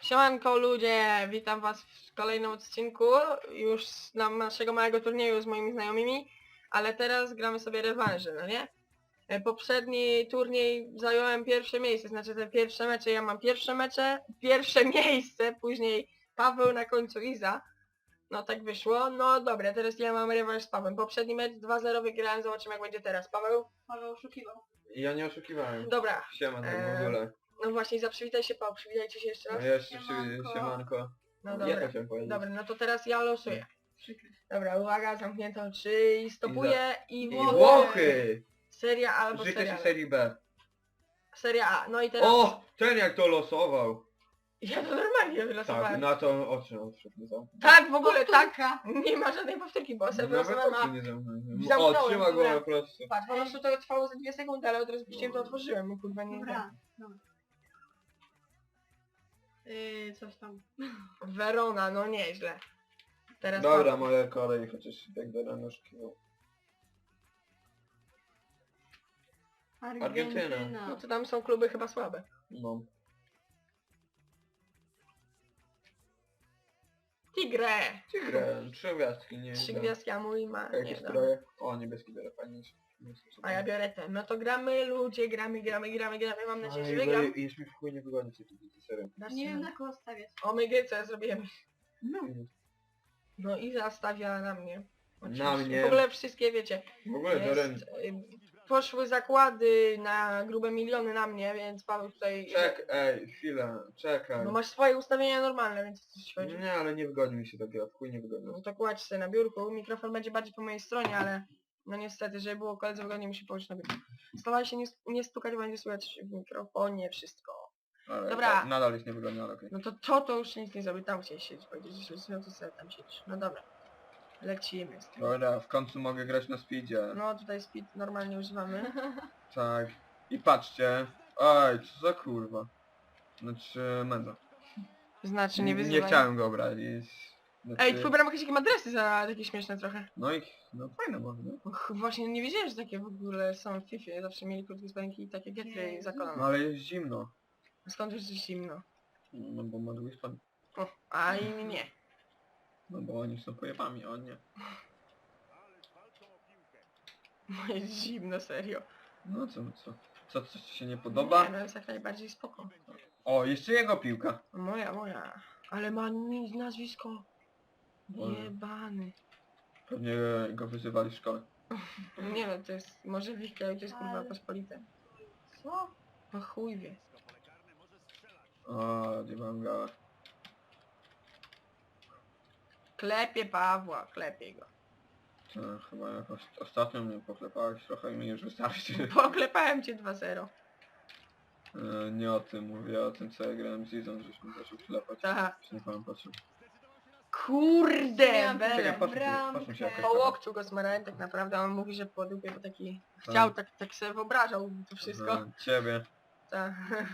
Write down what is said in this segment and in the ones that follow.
Siemanko ludzie, witam was w kolejnym odcinku już naszego małego turnieju z moimi znajomymi, ale teraz gramy sobie rewanże, no nie? Poprzedni turniej zająłem pierwsze miejsce, znaczy te pierwsze mecze, ja mam pierwsze miejsce, później Paweł, na końcu Iza. No tak wyszło, no dobra, teraz ja mam rewanż z Pawłem. Poprzedni mecz 2-0 wygrałem, zobaczymy jak będzie teraz. Paweł oszukiwał. Ja nie oszukiwałem. Dobra, Siema, tak w ogóle. no właśnie, zaprzywitaj się Paweł, przywitajcie się jeszcze No raz. jeszcze Siemanko. siemanko. No Ja dobra. to chciałem powiedzieć. Dobra, no to teraz ja losuję. Dobra, uwaga, zamknięto 3 i stopuję i I Włochy. Włochy! Seria A albo Życzę seria się B. serii B. Seria A, no i teraz... O! Ten jak to losował! Ja to normalnie Tak, wylosowałem. na to oczy odszedł. Nie zamknął. Tak, w ogóle tak. Nie ma żadnej powtórki, bo sobie Nawet wylosowałem, oczy a... nie zamknął. Zamknąłem, O, trzyma go dobra. po prostu. Patrz, po prostu to trwało za 2 sekundy, ale od razu puściłem, to otworzyłem, no kurwa nie... Dobra, dobra. Coś tam. Verona, no nieźle. Teraz Dobra, Paweł. moja kolej, chociaż tak do ranoszki. Argentyna. No to tam są kluby chyba słabe. No. Tigre! Tigre, 3 gwiazdki, nie 3 wiem. gwiazdki, a mój ma... Jakie Nie, dobra. stroje? O, niebieski biorę, fajnie. A ja biorę ten. No to gramy ludzie, gramy. Mam nadzieję, że Ale wygram. już mi w chuj nie wygodzi się tu serio. Nie wiem na kogo stawiać. Omega, co ja zrobiłem? No. No i zastawia na mnie. Na mnie. W ogóle wszystkie wiecie. W ogóle to Jest, poszły zakłady na grube miliony na mnie, więc Paweł tutaj... Chwilę, czekaj. No masz swoje ustawienia normalne, więc coś chodzi. Nie, ale nie wygodzi mi się to gra, w chuj nie wygodzi. No to kładź sobie na biurku. Mikrofon będzie bardziej po mojej stronie, ale... No niestety, żeby było koledze wygodnie, musi położyć na biurku. Staraj się nie stukać, będzie słychać w mikrofonie wszystko. Ale Dobra. tak, nadal jest niewygodnie, ale okej. No to już nic nie zrobi, tam chciałeś siedzieć, powiedzieć, że no to sobie tam siedzisz. No dobra. Lecimy z tym. Dobra, w końcu mogę grać na speedzie. No tutaj speed normalnie używamy. Tak. I patrzcie. Oj, co za kurwa. Znaczy, Menzo. Znaczy nie wyzywaj. Nie chciałem go brać. Znaczy... Ej, twój bram jakieś adresy za takie śmieszne trochę. No i, no fajne może, nie? Och, właśnie nie wiedziałem, że takie w ogóle są w FIFA. Zawsze mieli krótkie spodenki i takie getry Jezu. za No kolano. ale jest zimno. Skąd już jest zimno? No bo ma długi span. O, a inni nie. No bo oni są pojebami, a on nie. No jest zimno, serio. No co coś ci się nie podoba? Nie, no jest jak najbardziej spoko. O, jeszcze jego piłka. Moja. Ale ma nazwisko. Boże. Jebany. Pewnie go wyzywali w szkole. Nie no, to jest, może w ich kraju to jest kurwa Ale- pospolite. Co? No chuj wie. O, nie mam gała. Klepie Pawła, klepie go. To chyba jakoś ostatnio mnie poklepałeś trochę i mi już wystarczy. Poklepałem cię 2-0. Nie o tym, mówię o tym co ja grałem z Izą, żeśmy zaczął klepać. Aha. Już nie pamiętam patrzył. Kurde, Miałam Bele. Czekaj, patrzmy bramkę. się jakoś Po łokciu go smarałem tak naprawdę, a on mówi, że po dupie, bo taki chciał, tak sobie wyobrażał to wszystko. Aha, ciebie. Tak.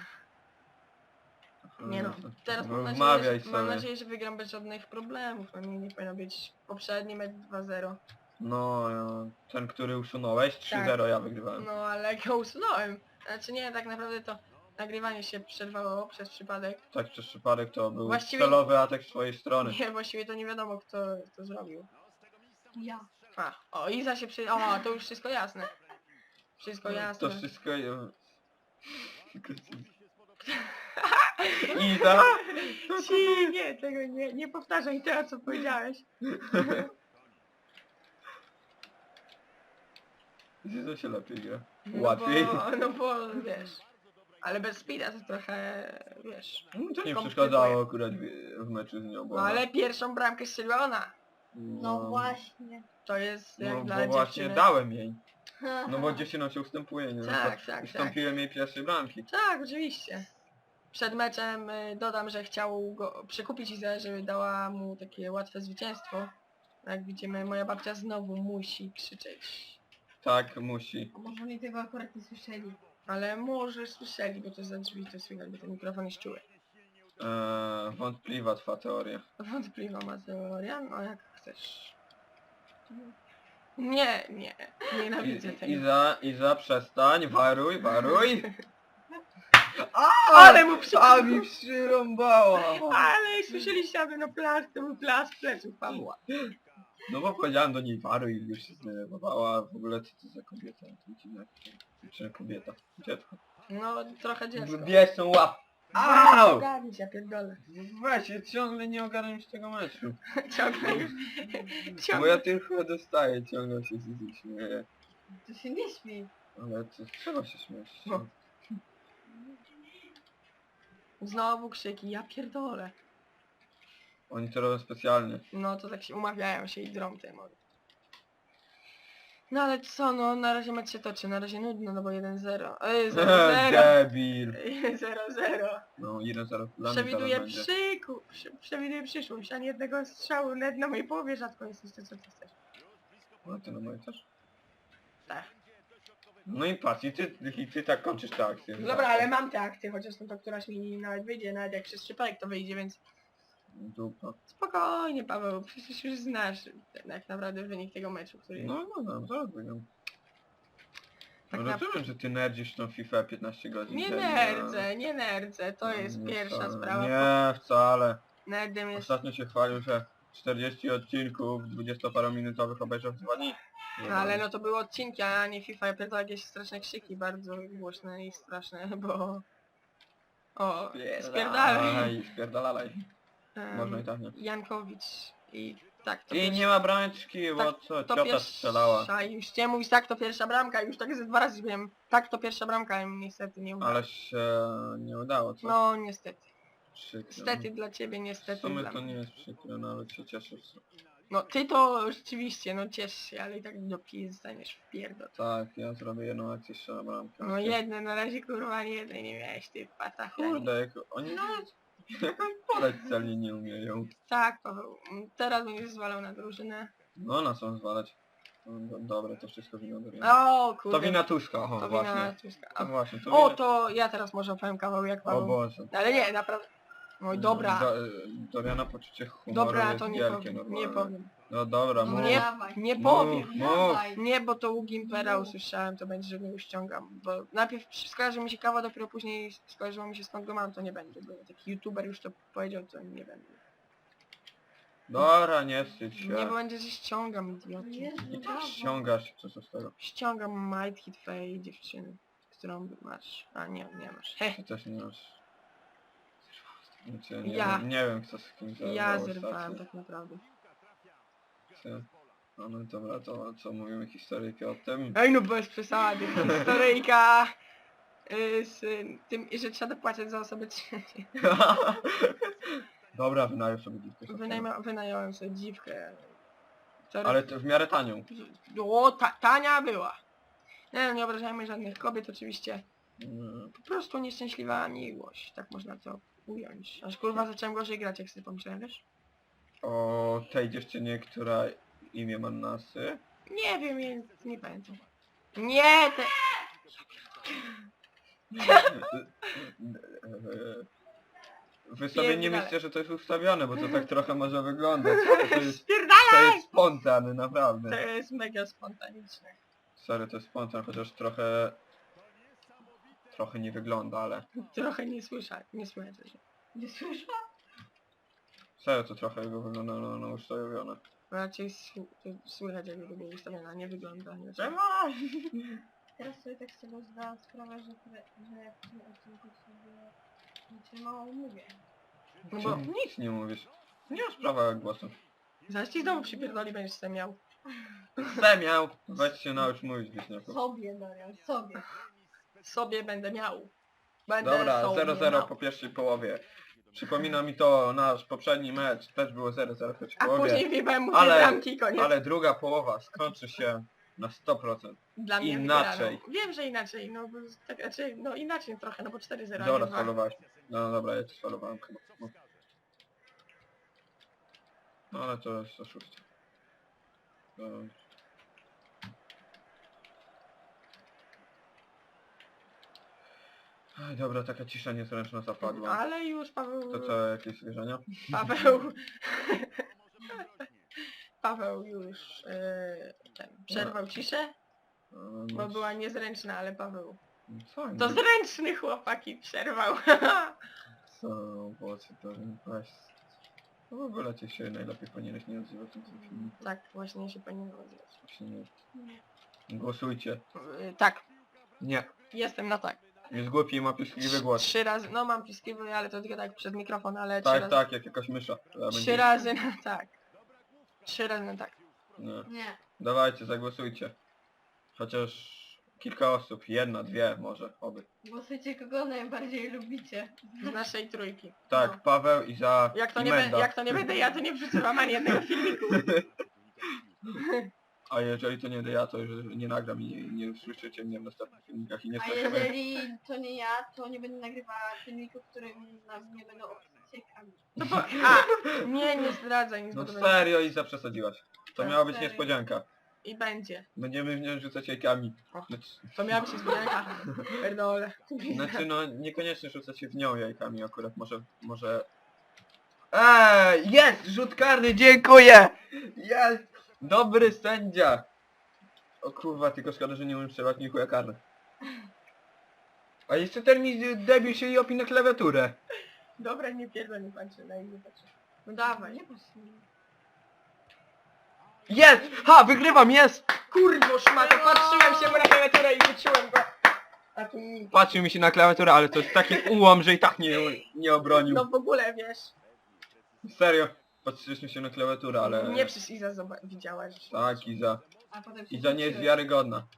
Nie no, to- teraz no, mam wmawiaj nadzieję, że, mam sobie. nadzieję, że wygram bez żadnych problemów. No nie powinno być poprzedni mecz 2-0. No, ten który usunąłeś, 3-0 ja wygrywałem. No ale go usunąłem. Znaczy nie, tak naprawdę to nagrywanie się przerwało przez przypadek. Tak przez przypadek to był Właściwie- celowy atak z twojej strony. Nie, właściwie to nie wiadomo kto to zrobił. Ja. A, o Iza się przy... O, to już wszystko jasne. Wszystko jasne. To wszystko... Iza? Ci, nie, tego nie powtarzaj tego co powiedziałeś. Iza się lepiej gra. No Łatwiej. No bo wiesz. Ale bez speeda to trochę, wiesz. To nie komplikuje. przeszkadzało akurat w meczu z nią, bo... No ale pierwszą bramkę strzeliła ona. No właśnie. To jest jak No dla bo właśnie dziewczyny. dałem jej. No bo dziewczynom się ustępuje, nie? Tak, Ustąpiłem jej pierwszej bramki. Tak, oczywiście. Przed meczem dodam, że chciał go przekupić Izę, żeby dała mu takie łatwe zwycięstwo. Jak widzimy, moja babcia znowu musi krzyczeć. Tak, musi. A może oni tego akurat nie słyszeli. Ale może słyszeli, bo to za drzwi to słychać, bo ten mikrofon jest czuły. Wątpliwa twa teoria. Wątpliwa ma teoria, no jak chcesz. Nie, nienawidzę tego. Iza, przestań, waruj. Ale mu A mi przyrąbała! Ale słyszeliście, aby no plac, to był plac pleców Pawła. No bo powiedziałem do niej waru i już się zdenerwowała, w ogóle co to za kobieta? To dziwne. Czy kobieta? Dziecko. No, trochę dziecko. Bierz tą łap! Au! Ogarnij się, ja pierdolę. Weź, ja ciągle nie ogarniam się tego meczu. Ciągle już. Bo Ciągle. ja tylko dostaję, ciągle się śmieję. To się nie śmiej. Ale to trzeba się śmiać. No. Znowu krzyki, ja pierdolę. Oni to robią specjalnie. No to tak się umawiają się i drą te mody. No ale co, no na razie mecz się toczy, na razie nudno, no bo 1-0. 0-0. Debil. 0-0. No 1-0 dla mnie Przewiduję teraz będzie. przewiduję przyszłość, ani jednego strzału nawet na mojej połowie rzadko jest jeszcze co ty chcesz. No ty na moje też? Tak. No i patrz, i ty tak kończysz tę akcję. Dobra, ale mam te akty, chociaż no to któraś mi nawet wyjdzie, nawet jak przez przypadek to wyjdzie, więc Dupa. spokojnie Paweł, przecież już znasz tak naprawdę wynik tego meczu, który jest. No, zaraz wygram. Tak No rozumiem, że ty nerdzisz tą FIFA 15 godzin. Nie dziennie, nie nerdzę, to jest nie pierwsza wcale. sprawa. Nie, wcale. Nerdem jest... Ostatnio się chwalił, że 40 odcinków 20-parominutowych obejrzał w 2 dni. No, ale no to były odcinki, a nie FIFA, ja pierdolę jakieś straszne krzyki, bardzo głośne i straszne, bo... O, spierdalaj. Spierdalaj. Można i tak nie. Jankowicz i tak to I nie ma brameczki, bo tak, co, to ciota strzelała. pierwsza, już chciałem mówić tak to pierwsza bramka, już tak ze 2 razy wiem, tak to pierwsza bramka, ale niestety nie udało. Ale się nie udało, co? No niestety. Przykro. Niestety dla ciebie, W niestety sumie dla to mnie. nie jest przykre, no ale się cieszę. No ty to rzeczywiście, no ciesz się, ale i tak do pizzy staniesz w pierdol. Tak, ja zrobię jedną akcję strzela bramkę. No jedne, na razie kurwa nie jednej nie miałeś, ty patacha. Kurde, jak oni nawet podać celnie nie umieją. Tak, Paweł, teraz będziesz zwalał na drużynę. No na co zwalać? No, dobra, to wszystko wina do O kurde. To wina Tuska, o To właśnie. wina Tuska. No właśnie, to O, wina... to ja teraz może opowiem kawał jak O Paweł. Boże. Ale nie, naprawdę. Oj, dobra. Doriana poczucie humoru Dobra, jest to nie wielkie powiem, normalnie. nie powiem. No dobra, No mów. Nie, dawaj. nie Mów. powiem. Dawaj. Nie, bo to u Gimpera usłyszałem, to będzie, że go ściągam. Bo najpierw skojarzy mi się kawa, dopiero później skojarzyło mi się skąd go mam, to nie będzie. Bo taki youtuber już to powiedział, to nie będę. Dobra, nie wstydź się. Nie, bo będzie, że ściągam, idioty. Jezu, I tak dawaj. ściągasz, co z tego. Ściągam Might Hit twojej dziewczyny, którą masz. A nie, nie masz. He, Ty też nie masz. Znaczy, nie, Ja. nie wiem kto z kim zerwał ja ostatnio. zerwałem tak naprawdę. Ty. No dobra, to co mówimy historyjkę o tym? Ej no bez przesady, historyjka z tym, że trzeba dopłacać za osobę trzecią. Dobra, wynajął sobie dziwkę. Wynająłem sobie dziwkę. To Ale to w miarę tanią. O, tania była. Nie, no, nie obrażajmy żadnych kobiet oczywiście. Po prostu nieszczęśliwa miłość, tak można to ująć. Aż kurwa zacząłem gorzej grać, jak sobie pomyślałem, wiesz? O tej dziewczynie, która imię ma Nasy. Nie wiem, nie pamiętam. Nie, te... Wy sobie nie Pierdalaj. myślcie, że to jest ustawione, bo to tak trochę może wyglądać. To jest Spierdalaj! spontan, naprawdę. To jest mega spontaniczne. Sorry, to jest spontan, chociaż trochę... Trochę nie wygląda, ale... Trochę nie słyszę, nie słyszę. Nie słyszę? Serio, to trochę jego wygląda na ustawione. Raczej słychać jakby to było ustawione, a nie wygląda. Nie Czemu? Teraz sobie tak z tego zdałam sprawę, że jak w tym odcinku sobie znaczy mało mówię. No bo Nic nie mówisz. Nie ma sprawa głosu. zaraz ci znowu przypierdoli, będziesz sobie miał. Miał. Weź się naucz mówić, Wiśniaku. Sobie, Dorian, sobie. Sobie będę miał. Będę Dobra, sobie 0-0 miał. po pierwszej połowie. Przypomina mi to nasz poprzedni mecz, też było 0-0 w pierwszej A połowie. później wjebałem mu dwie Ale- bramki i koniec. Ale druga połowa skończy się na 100%. Dla mnie inaczej. wygraną. Wiem, że inaczej, no bo tak, znaczy, no inaczej trochę, no bo 4-0. Dobra, nie dwa. sfalowałeś. No dobra, ja ci sfalowałem chyba. No ale to jest oszustwo. To... Aj, dobra, taka cisza niezręczna zapadła. Ale już Paweł... To co, jakieś zwierzenia? Paweł... Paweł już przerwał ciszę, bo No, była niezręczna, ale Paweł... Co? To zręczny chłopaki przerwał. Co? Owoce to weź. No w ogóle ty się najlepiej powinieneś nie odzywać na tym filmiku. Tak, właśnie się powinien nazywać. Właśnie nie. Nie. Głosujcie. Tak, Nie. jestem na tak. Jest głupi i ma piskliwy głos. 3 razy, no mam piskliwy, ale to tylko tak przez mikrofon, ale 3 Tak, razy. tak, jak jakaś mysza. która 3 będzie- razy na tak. 3 razy na tak. Nie. Nie. Dawajcie, zagłosujcie. Chociaż kilka osób, jedna, dwie może, oby. Głosujcie kogo najbardziej lubicie. Z naszej trójki. Tak, No. Paweł, Iza Jak to, i nie Menda. jak to nie będę ja, to nie przesyłam ani jednego filmiku. A jeżeli to nie będę ja, to już nie nagram i nie usłyszycie mnie w następnych filmikach i nie A słyszymy. jeżeli to nie ja, to nie będę nagrywała filmiku, w którym na mnie będą obciekami. No bo, a, nie zdradzaj nic, No bo to będzie. serio, Iza, przesadziłaś. To Tak, miała być serio. niespodzianka. I będzie. Będziemy w nią rzucać jajkami. O. Znaczy, To miała być niespodzianka. Pierdolę. znaczy no, niekoniecznie rzucać się w nią jajkami akurat, może... Jest! Rzut karny, dziękuję! Jest! Dobry sędzia! O kurwa, tylko szkoda, że nie umiem strzelać ni chuja karny. A jeszcze ten mi debił się i opi na klawiaturę. Dobra, nie pierdol, nie patrzę, na inny patrzę. No dawaj. Nie patrz na mnie. Jest! Ha! Wygrywam, jest! Kurwo szmato, patrzyłem się mu na klawiaturę i wyczułem go. A tu nic. Patrzył mi się na klawiaturę, ale to jest taki ułom, że i tak nie obronił. No w ogóle wiesz. Serio. Patrzyliśmy się na klawiaturę, ale... Nie przez Iza widziałaś. Tak, Iza. A potem się Iza nie jest wróciłeś. wiarygodna.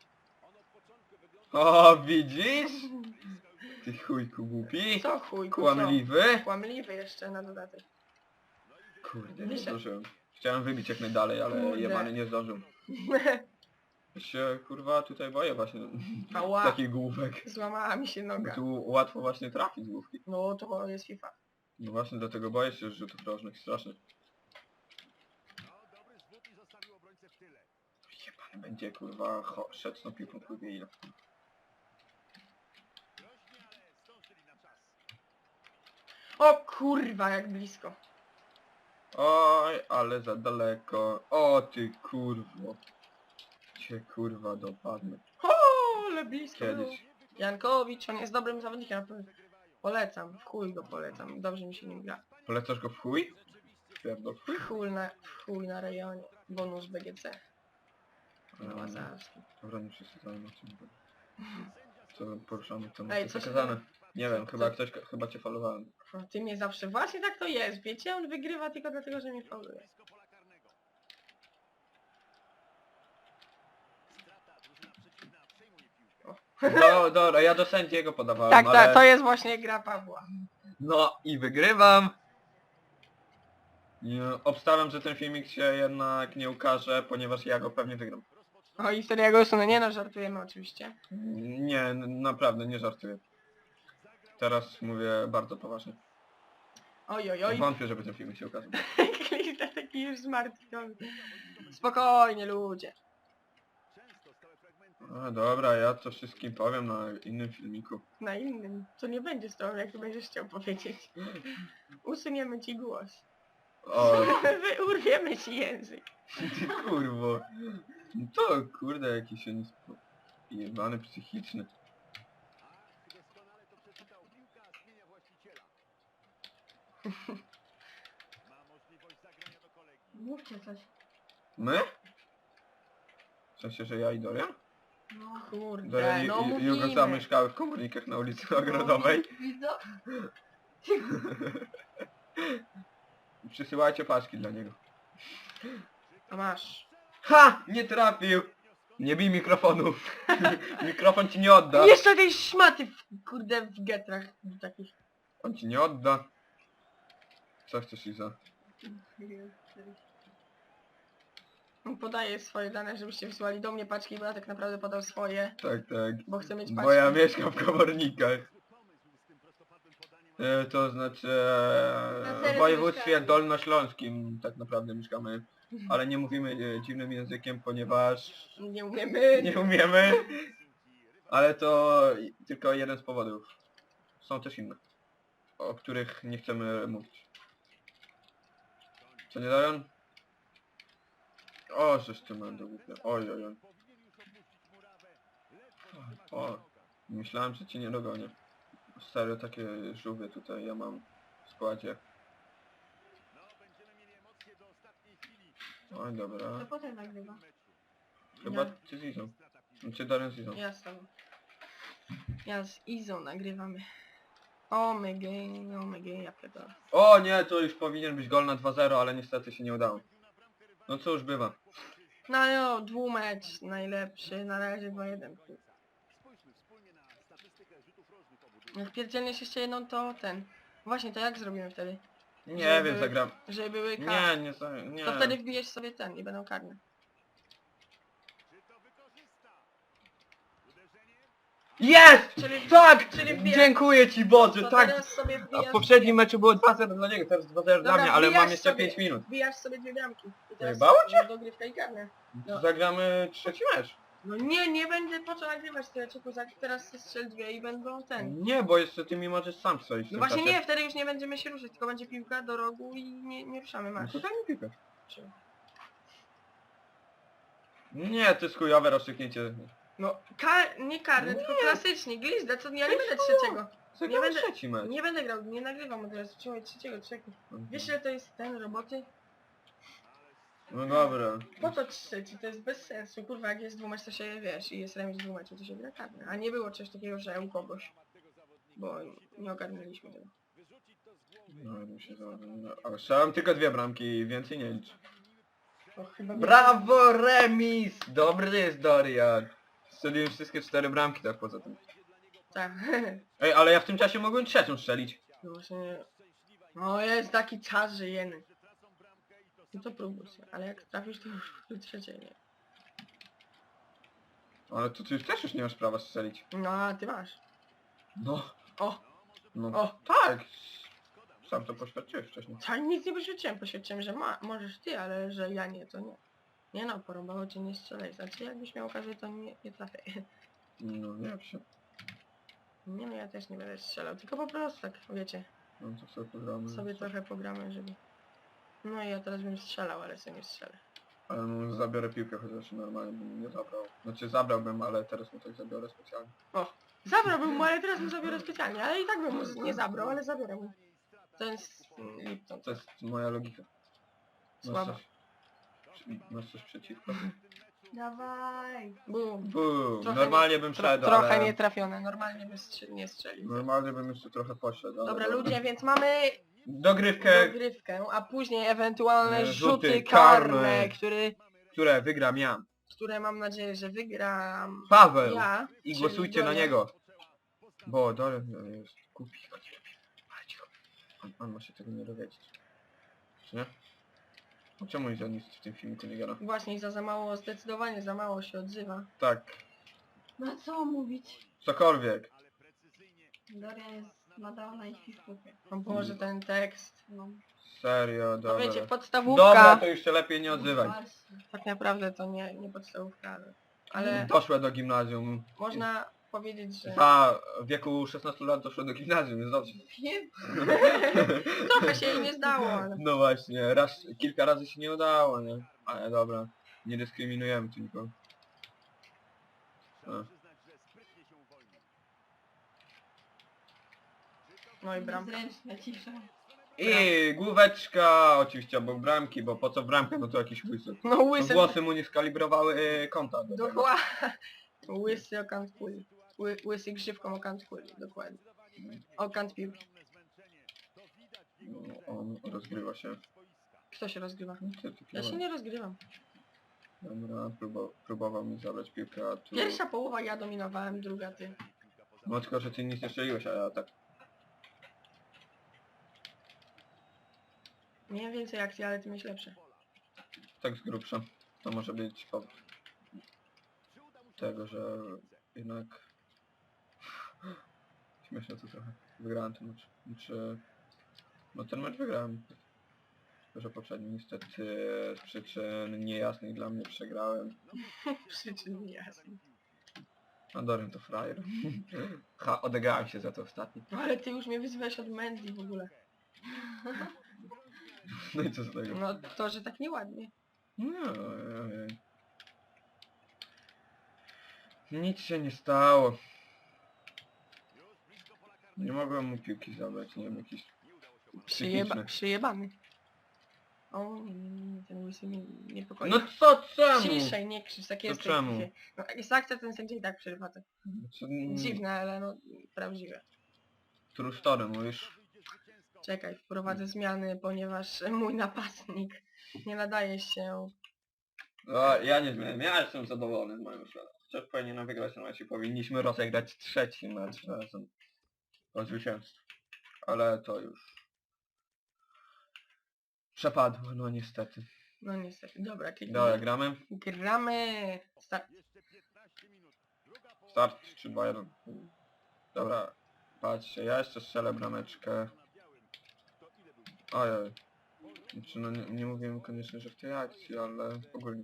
O, widzisz? Ty chujku głupi. Co chuj, Kłamliwy. co? Kłamliwy jeszcze na dodatek. Kurde, nie Wiesz, zdążyłem. Chciałem wybić jak najdalej, ale Kurde. jebany nie zdążył. Ja się kurwa tutaj boję właśnie Ała, takich główek. złamała mi się Bo noga. tu łatwo właśnie trafić z główki. No to jest FIFA. No właśnie dlatego boję się rzutów rożnych strasznie. Jebany będzie kurwa szedł z tą piłką kurwie ile. O kurwa, jak blisko. Oj, ale za daleko. O ty kurwo. Cię kurwa dopadnę. O, ale blisko było. Kiedyś. Jankowicz, on jest dobrym zawodnikiem. Polecam, w chuj go polecam. Dobrze mi się nim gra. Polecasz go w chuj? Pierdol w chuj. W chuj na rejonie. Bonus BGC. No, Łazarski. Dobra, nie przeczytałem o czym to. Co poruszamy to Ej, jest co się zakazane. tam- Nie wiem, co- chyba co- ktoś, chyba cię falowałem. Ty mnie zawsze... Właśnie tak to jest, wiecie? On wygrywa tylko dlatego, że mnie fauluje. Dobra, ja do sędziego podawałem, Tak, ale... to jest właśnie gra Pawła. No i wygrywam! Nie, obstawiam, że ten filmik się jednak nie ukaże, ponieważ ja go pewnie wygram. O i wtedy ja go usunę. Nie no, żartujemy oczywiście. Nie, naprawdę, nie żartuję. Teraz mówię bardzo poważnie. Oj, oj, oj. Wątpię, żeby ten filmik się ukazał. Klista taki już zmartwiony. Spokojnie ludzie. A, dobra, ja to wszystkim powiem na innym filmiku. Na innym. Co nie będzie z tobą, jak ty będziesz chciał powiedzieć. Usuniemy ci głos. O, Urwiemy ci język. ty kurwo. To kurde jakiś on jest jebany psychiczny. Mówcie coś. My? W sensie, że ja i Doria? No. Kurde, Doria no i Jugo mówimy. zamieszkały w komunikach na ulicy Ogrodowej. Widzę? Przysyłajcie paczki dla niego. A masz. Ha! Nie trafił! Nie bij mikrofonu. Mikrofon ci nie odda. Jeszcze tej szmaty kurde w getrach takich. On ci nie odda. Co chcesz, Iza? On podaje swoje dane, żebyście wysłali do mnie paczki, bo ja tak naprawdę podał swoje, Tak, tak. bo chcę mieć paczki. Bo ja mieszkam w komornikach. To znaczy Na w serio województwie mieszkamy. dolnośląskim tak naprawdę mieszkamy. Ale nie mówimy dziwnym językiem, ponieważ Nie umiemy. nie umiemy. Ale to tylko jeden z powodów. Są też inne, o których nie chcemy mówić. Co nie dają? O, żeż ty będę głupia. Oj, oj, oj. O, Myślałem, że cię nie dogonię. Serio, takie żółwie tutaj ja mam w składzie. Oj, To dobra. potem nagrywa. Chyba Ja. ty z Izą. Czy Dorian z Izą. Ja z tobą. Ja z Izą nagrywamy. Omega, ja pierdolę. O nie, to już powinien być gol na 2-0, ale niestety się nie udało. No cóż, bywa. No jo, dwumecz najlepszy, na razie 2-1. Jak pierdzielniesz jeszcze jedną, to ten. Właśnie, to jak zrobimy wtedy? Nie Żeby- wiem, zagram. Żeby były Nie. To wtedy wbijesz sobie ten i będą karne. Jest! Czyli- Tak! czyli wbija- Dziękuję ci Boże, To tak! teraz sobie A wbijasz... w poprzednim meczu było 2-0 dla niego, teraz 2-0 dla Dobra, mnie, ale mam wbijasz jeszcze sobie. 5 minut. Wbijasz sobie 2 bramki. I teraz Zajebało cię? dogrywka i karne. No. Zagramy trzeci mecz. No nie będę po co nagrywać tyle czeku, teraz strzel 2 i będą ten. Nie, bo jeszcze ty mi możesz sam strzelić w No tym właśnie czasie. nie, wtedy już nie będziemy się ruszać, tylko będzie piłka do rogu i nie ruszamy No masz. to daj mi piłkę. Nie, to jest chujowe rozstrzygnięcie. No, nie karny, tylko klasycznie, glizda, co ja nie będę trzeciego. Zagramy będę- trzeci mecz. Nie będę grał, nie nagrywam od razu, trzymaj trzeciego, czekaj. Wiesz ile to jest ten roboty? No dobra. Po to trzeci, to jest bez sensu, kurwa jak jest dwumecz to się wiesz i jest remis dwumeczu to się gra karny. A nie było czegoś takiego, że u kogoś. Bo nie ogarnęliśmy tego. No, ale strzelam tylko 2 bramki, więcej nie licz. To chyba Brawo, remis! Dobry jest Dorian. Strzeliłem wszystkie 4 bramki tak poza tym. Tak. Ej, ale ja w tym czasie mogłem trzecią strzelić. No właśnie... No jest taki czas, że jeny. No to próbuj się, ale jak trafisz to już trzeciej nie. Ale to ty już też nie masz prawa strzelić. No a ty masz. No. O! No O! tak. Sam to poświadczyłeś wcześniej. Tak nic nie poświadczyłem, że możesz ty, ale że ja nie, to nie. Nie no, porąbało cię, nie strzelaj. Znaczy jakbyś miał okazję, to nie trafię. No nie wiem się. Nie no, ja też nie będę strzelał, tylko po prostu tak, wiecie, No to sobie pogramy. sobie trochę pogramy, żeby... No i ja teraz bym strzelał, ale sobie nie strzelę. Ale no, zabiorę piłkę, chociaż normalnie bym nie zabrał. Znaczy zabrałbym, ale teraz mu tak zabiorę specjalnie. Zabrałbym mu, ale teraz mu zabiorę specjalnie, ale i tak bym mu nie zabrał, ale zabiorę mu. To jest Lipton. To jest moja logika. Słaba. Masz coś przeciwko? Dawaj. Bum. Bum, Trochę normalnie bym szedł, Trochę ale... nietrafione, normalnie bym nie strzelił. Normalnie bym jeszcze trochę poszedł, ale... Dobra ludzie, więc mamy Dogrywkę, dogrywkę, a później ewentualne Rzuty rzuty karne. karne, które wygram ja. które mam nadzieję, że wygram Paweł! ja. I czyli głosujcie na Dorian. niego. Bo Dorian jest głupi. Ale cicho. On ma się tego nie dowiedzieć. Czy nie? No czemu nic w tym filmiku nie gada? Właśnie za mało, zdecydowanie za mało się odzywa. Tak, No co mówić? cokolwiek. Dorian jest nadal na ich Facebookie. O Boże, ten tekst. No. Serio, No dobra. wiecie, podstawówka. Dobra, to już się lepiej nie odzywaj. Właśnie. Tak naprawdę to nie podstawówka, ale Doszła do gimnazjum. można powiedzieć, że A w wieku 16 lat doszła do gimnazjum, jest dobrze. Wiem. trochę się jej nie zdało, ale... No właśnie, kilka razy się nie udało, nie? Ale dobra, nie dyskryminujemy tu nikogo. A. No i bramka. Zręczna cisza. I główeczka, oczywiście obok bramki, bo po co bramka, no to jakiś łysy. No No, łysy... włosy mu nie skalibrowały konta. do tego. Dokładnie. Łysy okant kuli. Łysy grzywką okant kuli, dokładnie. Okant piłki. No, on rozgrywa się. Kto się rozgrywa? Co ty Ja się nie rozgrywam. Dobra, próbował mi zabrać piłkę, a tu... Pierwsza połowa ja dominowałem, druga ty. No tylko, że ty nic nie strzeliłeś, a ja tak. Miałem więcej akcji, ale ty miałeś lepsze. Tak z grubsza. To może być powód tego, że jednak... Śmieszne to trochę. Wygrałem ten mecz. Znaczy... No ten mecz wygrałem. Tylko, że poprzedni niestety z przyczyn niejasnych dla mnie przegrałem. Przyczyn niejasnych. A Dorian to frajer. Ha, odegrałem się za to ostatni. No ale ty już mnie wyzywałeś od Mendy w ogóle. No i co z tego? No to, że tak nieładnie. No, nic się nie stało. Nie mogłem mu piłki zabrać, nie wiem, jakiś psychiczny. Przyjebany. O, nie, ten łysy mnie niepokoi. No co, czemu? Ciszej, nie krzycz, tak To jest. czemu? No, jak jest akcja, ten sędzia i tak przerywa to. Co, Dziwne, ale no prawdziwe. True story mówisz? Czekaj, wprowadzę zmiany, ponieważ mój napastnik nie nadaje się. O, ja nie zmieniam, ja jestem zadowolony z moim szlakiem. Chociaż powinienem wygrać ten mecz i powinniśmy rozegrać trzeci mecz razem o zwycięstwo. Ale to już przepadło, no niestety. No niestety, dobra, Dobra, gramy. Gramy. Start czy Bayern? Dobra, patrzcie, ja jeszcze strzelę brameczkę. Ojej. Znaczy, no nie mówiłem koniecznie, że w tej akcji, ale ogólnie.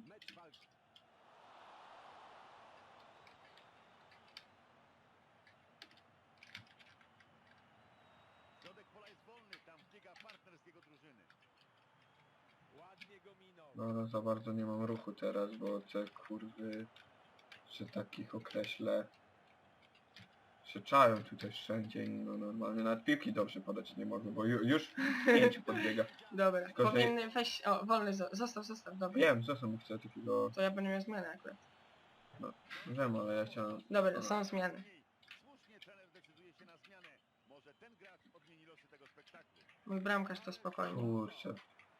Środek pola jest wolny, tam biega partner z jego drużyny. Ładnie go minął. No za bardzo nie mam ruchu teraz, bo te kurwy, że takich określę, się czają tutaj wszędzie i no normalnie nawet piłki dobrze podać nie mogę, bo już 5 podbiega. Dobra, Tylko, że- powinny weź. O, wolny, zostaw, dobra. Wiem, co sam chcę takiego, To ja będę miał zmianę akurat. wiem, ale ja chciałem... Dobra, są zmiany. Słusznie trener decyduje się na zmianę. Może ten gracz odmieni losy tego spektaklu. Mój bramkarz to spokojnie. Kurczę.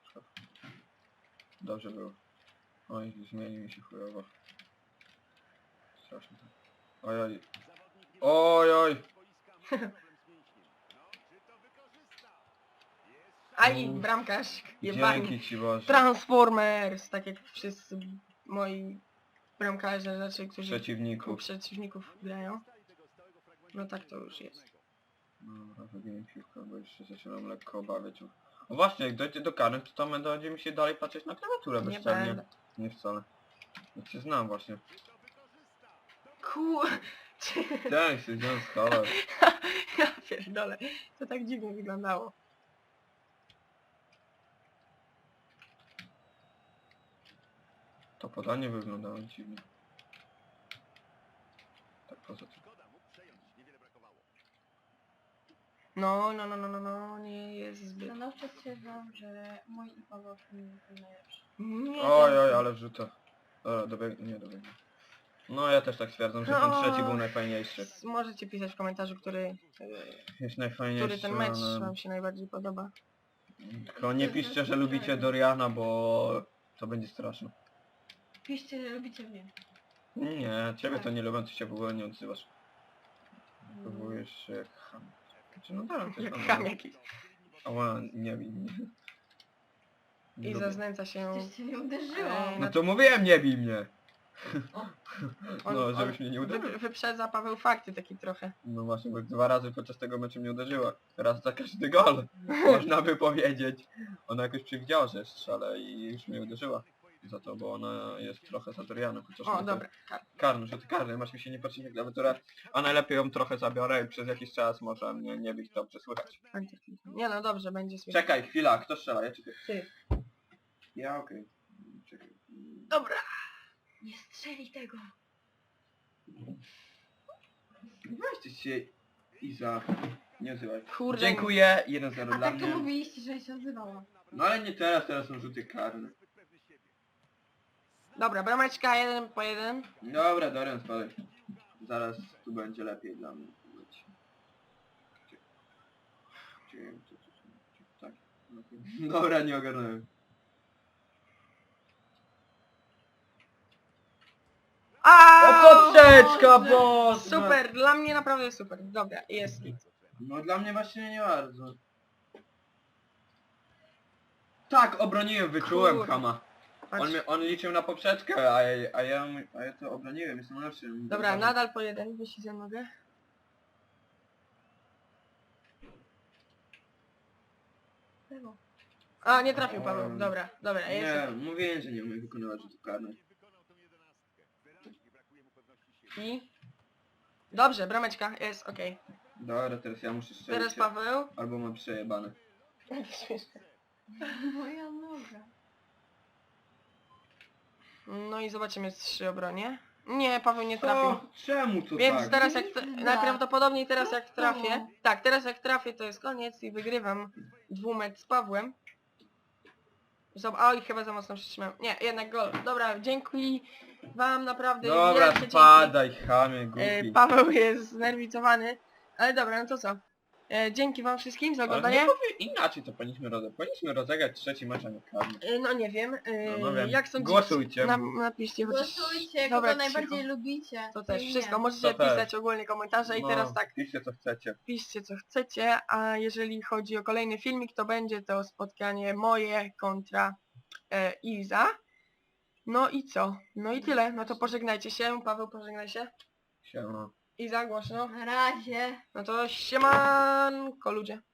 Dobrze było. Oj, zmieni mi się chujowo. Strasznie. Ojoj. Zawodnik Ojoj. boiska ma problem z mięśniem. No, czy to wykorzysta? Jest Aj, bramkarz, jebani. Dzięki ci Boże. Transformers, tak jak wszyscy moi bramkarze, znaczy, którzy u Przeciwników. przeciwników grają. No tak to już jest. Dobra, wybiję piłkę, bo jeszcze zaczynam lekko obawiać. O właśnie, jak dojdzie do karnych, to tam będzie mi się dalej patrzeć na klawiaturę Nie bezczelnie. będę. Nie wcale. Ja cię znam właśnie. Kur... Tak, się wziąłem z kolor. Ja pierdolę, to tak dziwnie wyglądało. To podanie wyglądało dziwnie. Tak poza tym. Szkoda, mógł przejąć. Niewiele brakowało. No, nie jest zbyt... Stanowczo stwierdzam, że mój i Paweł film był najlepszy. Nie, Oj, oj, ale wrzuta. Dobra, nie dobiegnie. No ja też tak stwierdzam, że ten No. trzeci był najfajniejszy. Możecie pisać w komentarzu, Jest najfajniejszy, który ten mecz ale... wam się najbardziej podoba. Tylko nie piszcie, że lubicie Doriana, bo to będzie straszne. Piszcie, że lubicie mnie. Nie, ciebie to nie lubię, ty się w ogóle nie odzywasz. Próbujesz się jak ham. Znaczy, no tak, to Jak jest ham jakiś. Ała, nie bij mnie. Nie I lubię. zaznęca się... Przecież cię nie uderzyło. No to mówiłem, nie bij mnie! On- No, on żebyś mnie nie uderzył. Wyprzedza Paweł fakty taki trochę. No właśnie, bo 2 razy podczas tego meczu mnie uderzyła. Raz za każdy gol. Można by powiedzieć. Ona jakoś przewidziała, że strzelę i już mnie uderzyła. Za to, bo ona jest trochę za Dorianem. Chociaż O, no to- dobra. Karny, że ty karny, masz mi się nie patrzeć na klawiaturę, a najlepiej ją trochę zabiorę i przez jakiś czas może mnie nie być dobrze słychać. Nie no, dobrze, będzie słychać. Czekaj, chwila, kto strzela? Ja czy ty? Ty. Ja, okej. Czekaj. Dobra. Nie strzeli tego. Weźcie się Iza. Nie odzywaj. Kurde. Dziękuję, 1-0 A dla tak to mnie. mówiliście, że się odzywała. No ale nie teraz, teraz są rzuty karne. Dobra, brameczka 1-1. Dobra, Dorian, spadaj. Zaraz tu będzie lepiej dla mnie. Tak. Dobra, nie ogarnąłem. A poprzeczka, bo... Super, dla mnie naprawdę super. Dobra, jest. No dla mnie właśnie nie bardzo. Tak, obroniłem, wyczułem Kurde. Hama. Patrz. On liczył na poprzeczkę, a ja to obroniłem, jestem lepszym. Dobra, nadal po 1, jeśli za mogę. Tego. A, nie trafił Paweł. Dobra, dobra, Nie, jest. mówiłem, że nie umiem wykonywać rzutów karnych. I... Dobrze, brameczka, jest, okej. Dobra, teraz ja muszę strzelić. Teraz Paweł. Albo mam przejebane. Moja noga. No i zobaczymy 3 obronie. Nie, Paweł nie trafił. Co? Czemu to Więc tak? teraz Pizda. najprawdopodobniej teraz jak Co? trafię. Tak, teraz jak trafię to jest koniec i wygrywam 2 mecz z Pawłem. Oj, chyba za mocno przytrzymałem. Nie, jednak gol. Dobra, dziękuję wam naprawdę. Dobra, wielkie dzięki. spadaj, chamie, głupi. Paweł jest znerwicowany. Ale dobra, no to co? Dzięki wam wszystkim za Ale oglądanie. no powie, inaczej to powinniśmy rozegrać trzeci mecz, a nie karny. No nie wiem. No wiem. Jak sądzicie? Głosujcie. Napiszcie chociaż... Głosujcie, Dobra, kogo najbardziej cicho. lubicie. To też i wszystko. nie. Możecie To też. pisać ogólnie komentarze i No, teraz tak. Piszcie co chcecie. Piszcie co chcecie, a jeżeli chodzi o kolejny filmik, to będzie to spotkanie moje kontra Iza. No i co? No i tyle. No to pożegnajcie się. Paweł, pożegnaj się. Siema. Iza, głośno. Na razie. No to siemanko ludzie.